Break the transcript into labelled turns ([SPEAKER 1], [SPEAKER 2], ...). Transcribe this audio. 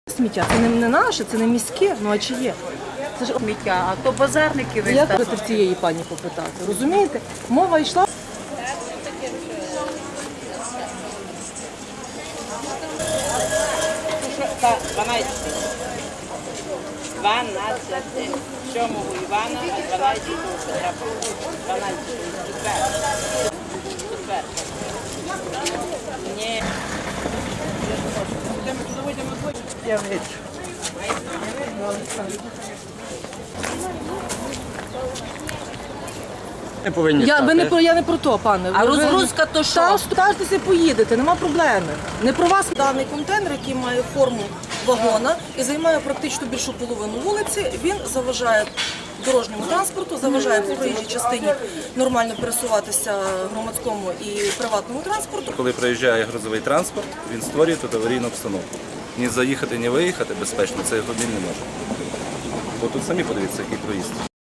[SPEAKER 1] Сміття, це не наше, це не міське, ну а чи є? Це ж
[SPEAKER 2] Сміття, а то базарники
[SPEAKER 1] я
[SPEAKER 2] виставили.
[SPEAKER 1] хочу в цієї пані попитати, розумієте? Мова йшла.
[SPEAKER 3] Та 12. 12. 7 Івана, а 12 Петра. 12. Четвер. Ні.
[SPEAKER 2] Я бачу.
[SPEAKER 4] Не повинні
[SPEAKER 1] Я
[SPEAKER 4] стати.
[SPEAKER 1] не про то, пане.
[SPEAKER 2] А розгрузка то що?
[SPEAKER 1] Стажтеся, поїдете, нема проблеми. Не про вас. Даний контейнер, який має форму вагона і займає практично більшу половину вулиці, він заважає дорожньому транспорту, заважає по проїжджій частині нормально пересуватися громадському і приватному транспорту.
[SPEAKER 5] Коли приїжджає грузовий транспорт, він створює тут аварійну обстановку. Ні заїхати, ні виїхати безпечно цей автомобіль не може. Бо тут самі подивіться, який проїзд.